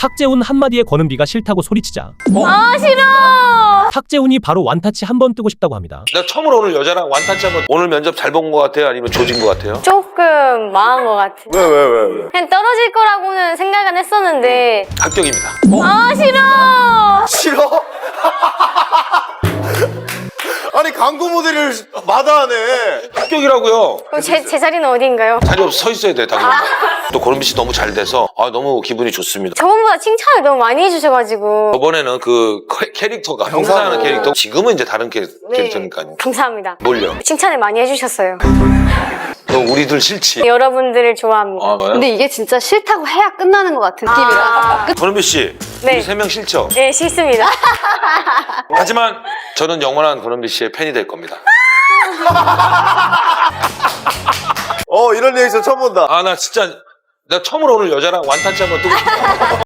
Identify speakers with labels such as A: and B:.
A: 탁재훈 한마디에 권은비가 싫다고 소리치자
B: 아 싫어.
A: 탁재훈이 바로 완타치 한 번 뜨고 싶다고 합니다.
C: 나 처음으로 오늘 여자랑 완타치 한번. 오늘 면접 잘 본 것 같아요? 아니면 조진 것 같아요?
B: 조금 망한 것 같아.
D: 왜?
B: 그냥 떨어질 거라고는 생각은 했었는데.
C: 합격입니다.
B: 아 싫어.
D: 싫어? 아니 광고 모델을 마다하네.
C: 합격이라고요.
B: 그럼 제 자리는 어디인가요?
C: 자리 없어 서 있어야 돼, 당연히. 또 고른비 씨 너무 잘 돼서 너무 기분이 좋습니다.
B: 저번보다 칭찬을 너무 많이 해주셔가지고.
C: 저번에는 그 캐릭터가 형사하는 캐릭터, 지금은 이제 다른 캐릭터니까요.
B: 감사합니다.
C: 뭘요?
B: 칭찬을 많이 해주셨어요.
C: 너 우리들 싫지?
B: 여러분들을 좋아합니다.
E: 근데 이게 진짜 싫다고 해야 끝나는 것 같은 느낌이라.
C: 고른비 씨,
B: 네.
C: 우리 3명 싫죠?
B: 네, 싫습니다.
C: 하지만 저는 영원한 고른비 씨의 팬이 될 겁니다.
D: 이런 리액션 처음 본다.
C: 나 진짜 나 처음으로 오늘 여자랑 완타치 한번 뜨고 싶어.